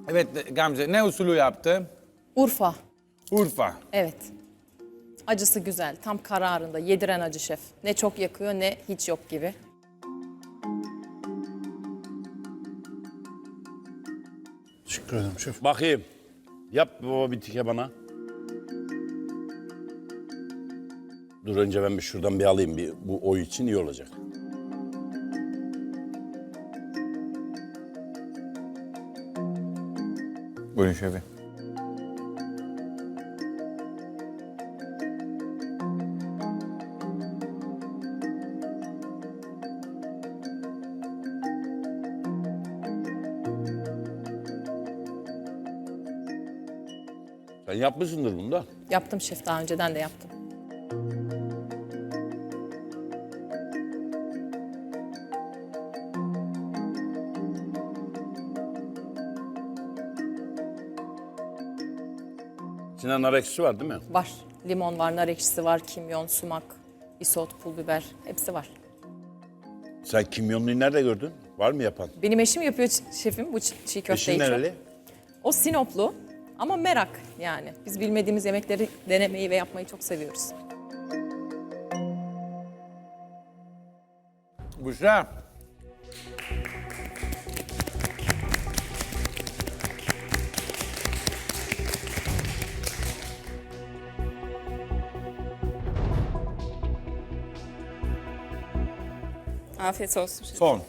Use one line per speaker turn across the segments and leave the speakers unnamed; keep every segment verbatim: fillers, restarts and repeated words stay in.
Evet Gamze, ne usulü yaptı?
Urfa.
Urfa.
Evet. Acısı güzel. Tam kararında. Yediren acı şef. Ne çok yakıyor ne hiç yok gibi.
Teşekkür ederim şef.
Bakayım. Yap baba bir tike bana. Dur önce ben bir şuradan bir alayım. Bir, bu oy için iyi olacak.
Buyurun şefim.
Sen yapmışsındır bunu da.
Yaptım şef, daha önceden de yaptım.
İçinde nar ekşisi var değil mi?
Var. Limon var, nar ekşisi var, kimyon, sumak, isot, pul biber. Hepsi var.
Sen kimyonluyu nerede gördün? Var mı yapan?
Benim eşim yapıyor ç- şefim bu ç- çiğ köfteyi
Eşin
çok.
nereli?
O Sinoplu ama merak yani. Biz bilmediğimiz yemekleri denemeyi ve yapmayı çok seviyoruz.
Büşra.
Afiyet olsun şef.
Son.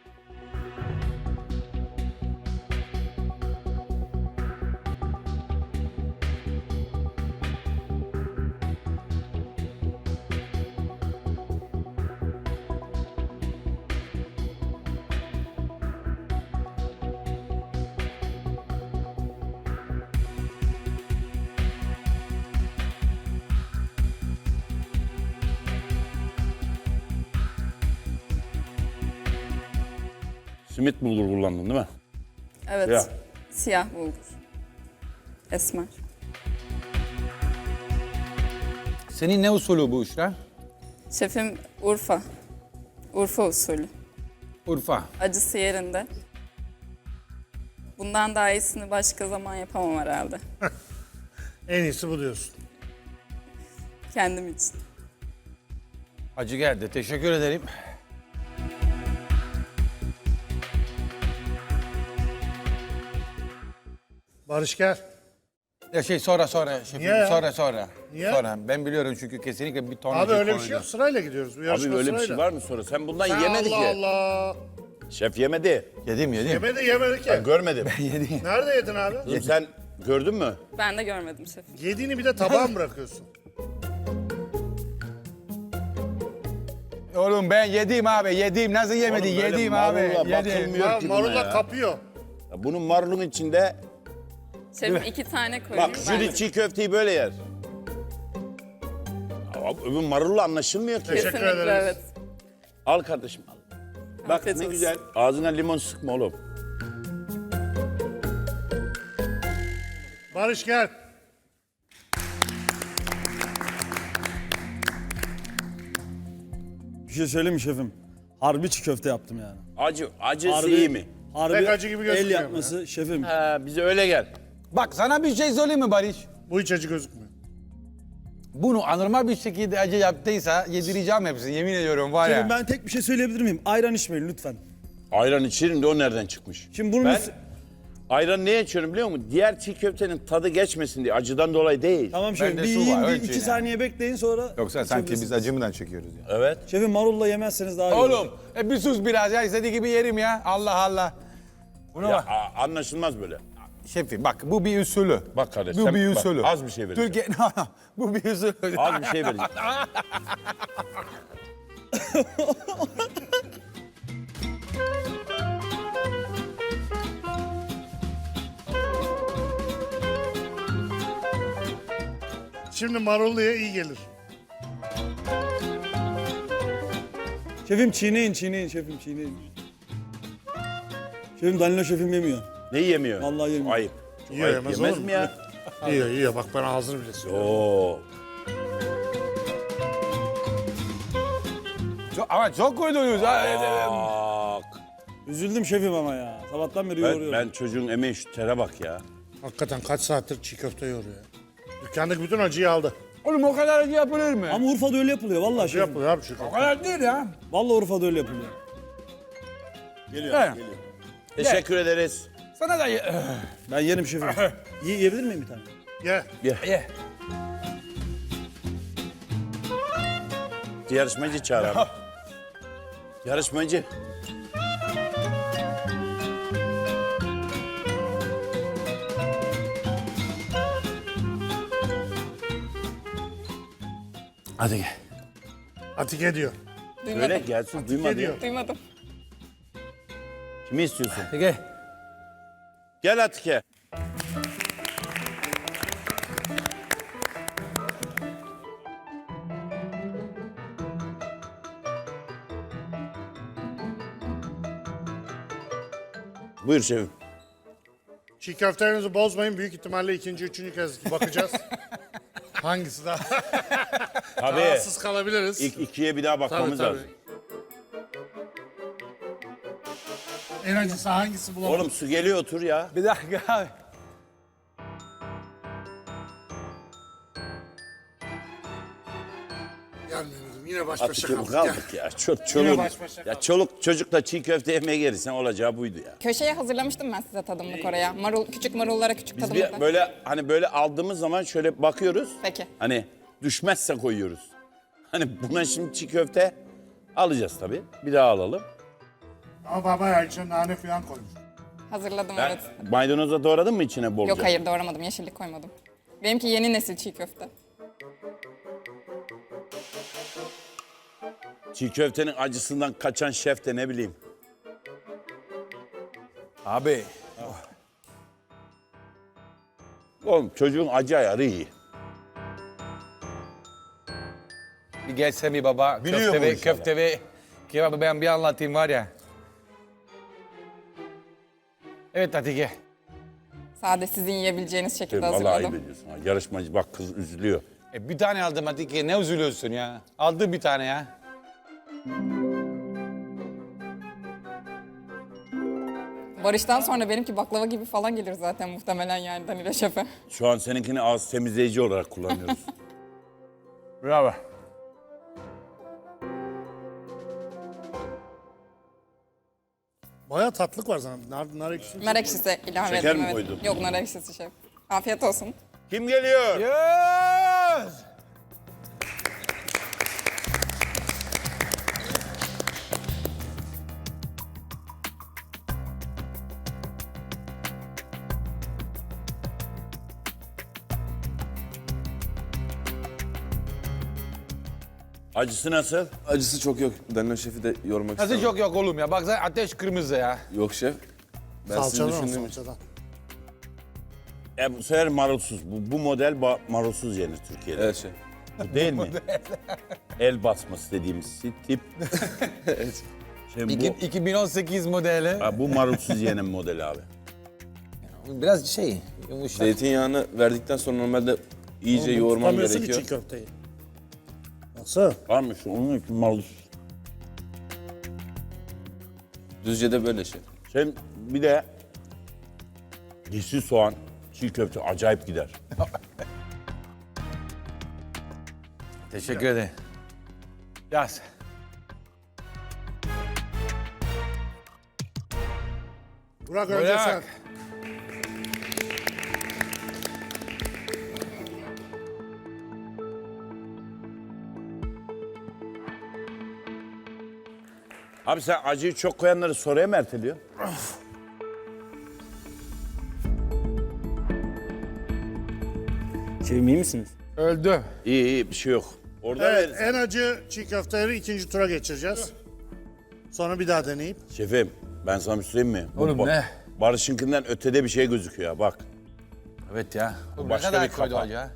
Simit bulgur kullandın değil mi?
Evet.
Siyah.
Siyah bulgur. Esmer.
Senin ne usulü bu Büşra?
Şefim Urfa. Urfa usulü.
Urfa.
Acısı yerinde. Bundan daha iyisini başka zaman yapamam herhalde.
En iyisi bu diyorsun.
Kendim için.
Acı geldi. Teşekkür ederim.
Barış gel.
Ya şey sonra sonra şefim.
Niye ya?
Sonra sonra.
Niye?
Sonra. Ben biliyorum çünkü kesinlikle bir ton
Abi
acı
öyle bir şey
koyacağım.
yok. Sırayla gidiyoruz. Bu yarışma
Abi öyle bir
sırayla.
şey var mı sonra? Sen bundan
Sen
yemedi
Allah
ki.
Allah.
Şef yemedi.
Yedim yedim.
Yemedi yemedi ki.
Ben görmedim.
Yedim.
Nerede yedin abi?
Kızım sen gördün mü?
Ben de görmedim şefim.
Yediğini bir de tabağa mı bırakıyorsun?
Oğlum ben yedim abi. Yedim. Nasıl yemedi?
Oğlum böyle
Yedim abi.
marulla
Yedim.
bakılmıyor
Ha,
ki buna
marulla
ya.
kapıyor.
Ya bunun marulun içinde
Şefim iki tane koyayım.
bak
ben de.
jüri çiğ köfteyi böyle yer. Ya öbür marulla anlaşılmıyor ki.
Teşekkür
Kesinlikle
ederiz.
evet.
Al kardeşim al. Bak
Afiyet
ne
olsun.
güzel. Ağzına limon sıkma oğlum.
Barış gel.
Bir şey söyleyeyim mi şefim? Harbi çiğ köfte yaptım yani.
Acı, acısı
Harbi,
iyi mi?
Harbi
Pek acı gibi
el
gözükmüyor
yapması şefim.
Ha, bize öyle gel.
Bak sana bir şey söyleyeyim mi Barış?
Bu hiç acı gözükmüyor.
Bunu anormal bir şekilde acı yaptıysa yedireceğim hepsini. Yemin ediyorum var
Şefim
ya.
ben tek bir şey söyleyebilir miyim? Ayran içmeyin lütfen.
Ayran içerim de o nereden çıkmış?
Şimdi bunun
Ben
üstü-
ayran niye içiyorum biliyor musun? Diğer çiğ köftenin tadı geçmesin diye. Acıdan dolayı değil.
Tamam şefim
Bende
bir
su
yiyin
var,
bir
ölçün
iki
yani.
saniye bekleyin sonra
Yoksa sanki biz
içebilirsiniz.
acımından çekiyoruz ya.
Evet.
Şefim marulla yemezseniz daha iyi olur.
Oğlum e bir sus biraz ya. İstediği gibi yerim ya. Allah Allah. Bunu
Ya,
bak.
a- anlaşılmaz böyle.
Şefim bak bu bir usulü.
Bak kardeş,
Bu
sen-
bir
bak,
usulü.
az bir şey vereceğim.
Türkiye bu bir usulü.
Az bir şey vereceğim.
Şimdi marulluya iyi gelir.
Şefim çiğneyin çiğneyin şefim çiğneyin. Şefim Danilo şefim yemiyor.
Ne yemiyor?
Vallahi yemiyor.
Ayıp. Çok
Yiyor,
ayıp.
yemez
Yemez
olur
mi
mu?
ya?
Yiyor yiyor bak ben ağzını bile siliyorum.
Oo.
Çok- ama çok koydunuz ha.
Bak.
Üzüldüm şefim ama ya. Sabahtan beri
Ben,
yoğuruyorum.
ben çocuğun emeği şu tere bak ya.
Hakikaten kaç saattir çiğ köfte yoruyor ya. Dükkandaki bütün acıyı aldı.
Oğlum o kadar acı yapılır mı?
Ama Urfa'da öyle yapılıyor vallahi
Acı
şefim.
yapılıyor abi çiğ
O
köfte.
kadar değil ya.
Vallahi Urfa'da öyle yapılıyor.
Geliyor.
Teşekkür ederiz.
Sana da ye.
Ben yerim şefim. Ye, yiyebilir miyim bir tane?
Ye.
ye.
Yarışmacı çağır abi. Yarışmacı. Hadi gel.
Atike diyor.
Duymadım.
Öyle gelsin duymadı.
diyor.
Duymadım.
Kimi istiyorsun?
Peki.
Gel Atike. Buyur şefim.
Çiğ köftelerinizi bozmayın. Büyük ihtimalle ikinci, üçüncü kez bakacağız. Hangisi daha
Tabii.
rahatsız kalabiliriz.
İlk ikiye bir daha
Tabii,
bakmamız
tabii.
lazım.
En acısı hangisi bulamadım.
Oğlum su geliyor otur ya.
Bir dakika abi.
Gelmeyelim. Yine baş başa
Atike
kaldık.
kaldık ya. Çoluk,
Yine
çoluk,
baş başa
ya
kaldık.
çoluk çocukla çiğ köfte yemeye gelirsen olacağı buydu ya.
Köşeye hazırlamıştım ben size tadımlık oraya. Marul, küçük marullara küçük
Biz
tadımlık.
bir böyle hani böyle aldığımız zaman şöyle bakıyoruz.
Peki.
Hani düşmezse koyuyoruz. Hani buna şimdi çiğ köfte alacağız tabii. Bir daha alalım.
Ama baba ya içine nane falan koymuş.
Hazırladım
Ben
evet.
maydanoza doğradın mı içine bolca?
Yok hayır doğramadım. Yeşillik koymadım. Benimki yeni nesil çiğ köfte.
Çiğ köftenin acısından kaçan şef de ne bileyim.
Abi.
Oğlum çocuğun acı ayarı iyi.
Bir gelse bir baba.
Biliyor
köfte
bu
ve,
inşallah.
köfte ve kebabı ben bir anlatayım var ya. Evet Atike.
Sade sizin yiyebileceğiniz şekilde
Vallahi ayıp
hazırladım.
ediyorsun. ha. Yarışmacı bak kız üzülüyor.
E, bir tane aldım Atike. Ne üzülüyorsun ya? Aldım bir tane ya.
Barış'tan sonra benimki baklava gibi falan gelir zaten muhtemelen yani Danilo Şef'e.
Şu an seninkini ağız temizleyici olarak kullanıyoruz.
Bravo.
Bayağı tatlık var sana. Nar, nar ekşisi.
Nar ekşisi ilave
Şeker
ettim
mi
evet.
koydun?
Yok nar ekşisi şef. Afiyet olsun.
Kim geliyor?
Yes!
Acısı nasıl?
Acısı çok yok. Danilo şefi de yormak
Nasıl
istemem.
çok yok oğlum ya? Baksana ateş kırmızı ya.
Yok şef. Ben sizin
Salçadan o
düşündüğüm için.
salçadan.
E bu sefer marulsuz. Bu, bu model ba- marulsuz yenir Türkiye'de.
Evet şef.
Bu değil mi? El basması dediğimiz tip.
Evet.
Şimdi
İki-
bu,
iki bin on sekiz modeli.
ha, bu marulsuz yenen model abi.
Biraz şey yumuşak.
Zeytinyağını verdikten sonra normalde iyice yoğurmam
Tutamıyorsun ki
gerekiyor.
çiğ köfteyi. Nasıl?
Var mı şu? Onun için marulsuz.
Düzce de böyle şef.
Sen bir de yeşil soğan, çiğ köfte acayip gider.
Teşekkür ederim. Yaz.
Burak önce sen.
Bırak.
Abi sen acıyı çok koyanları sonraya mı erteliyor?
Şefim iyi misiniz?
Öldü.
İyi iyi bir şey yok. Orada
Evet,
verirsin.
en acı çiğ köfteleri ikinci tura geçireceğiz. Sonra bir daha deneyip.
Şefim ben sana bir şey söyleyeyim mi? Bu
Oğlum
ba-
ne?
Barış'ınkinden ötede bir şey gözüküyor ha, bak.
Evet ya. Oğlum,
başka
ne kadar
bir
koydu
kapak.
acı ya?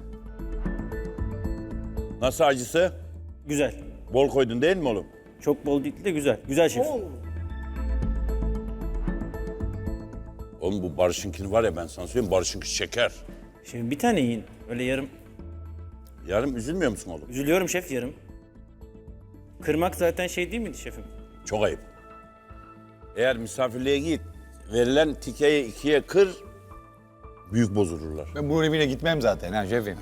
Nasıl acısı?
Güzel.
Bol koydun değil mi oğlum?
Çok bol değil de güzel. Güzel şef.
Oğlum bu Barış'ınkini var ya ben sana söyleyeyim Barış'ınki şeker.
Şimdi bir tane yiyin. Öyle yarım.
Yarım üzülmüyor musun oğlum?
Üzülüyorum şef yarım. Kırmak zaten şey değil miydi şefim?
Çok ayıp. Eğer misafirliğe git, verilen tikeyi ikiye kır, büyük bozulurlar.
Ben bunun evine gitmem zaten ha şefim.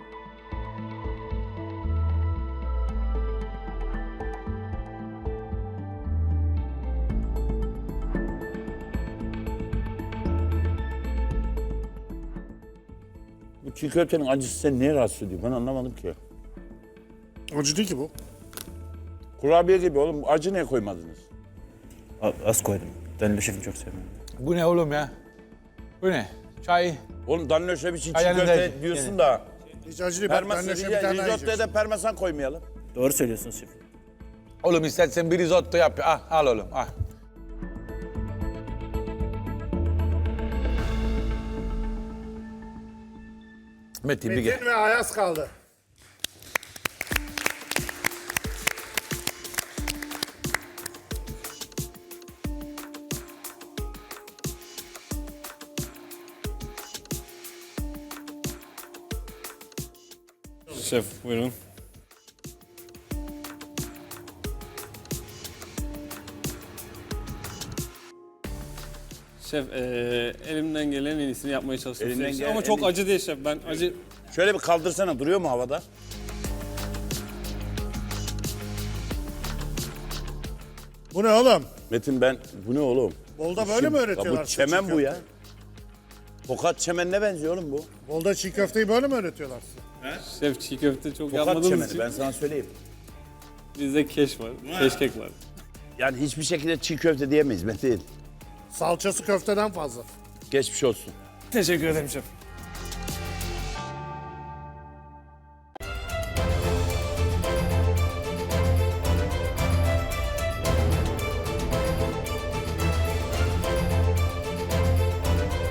Bu çiğ köftenin acısı seni neye rahatsız ediyor? Ben anlamadım ki.
Acı değil ki bu.
Kurabiye gibi oğlum, acı niye koymadınız?
A- Az koydum. Danilo şefim çok sevmiyorum.
Bu ne oğlum ya? Bu ne? Çay.
Oğlum Danilo Şef için çiğ
Ayağını
köfte
değdi.
diyorsun
Yani.
da
Hiç acı değil. Bak ben
parmesan,
de şöyle bir tane daha
risottoya
yiyeceğim.
da parmesan koymayalım.
Doğru söylüyorsunuz şefim.
Oğlum istersen bir risotto yap. Ah, al oğlum. Ah. Metin bir gel.
Metin ve Ayaz kaldı.
Şef buyurun. Şef eee, elimden gelen en iyisini yapmaya çalışıyorum.
Elinden
Şef.
gelen
Ama
en
çok
iyi-
acı değil şef. Ben acı
Şöyle bir kaldırsana, duruyor mu havada?
Bu ne oğlum?
Metin ben, bu ne oğlum?
Bolda böyle mi
Ya
öğretiyorlar?
bu
size
çemen
çiğ
bu ya.
köfte?
Tokat çemenine benziyor oğlum bu.
Bolda çiğ köfteyi böyle mi öğretiyorlar size?
şef çiğ köfte çok
Tokat
yapmadığımız
çemeni,
için
ben sana söyleyeyim.
bizde keş var, keşkek var.
Yani hiçbir şekilde çiğ köfte diyemeyiz Metin.
Salçası köfteden fazla.
Geçmiş olsun.
Teşekkür ederim şef.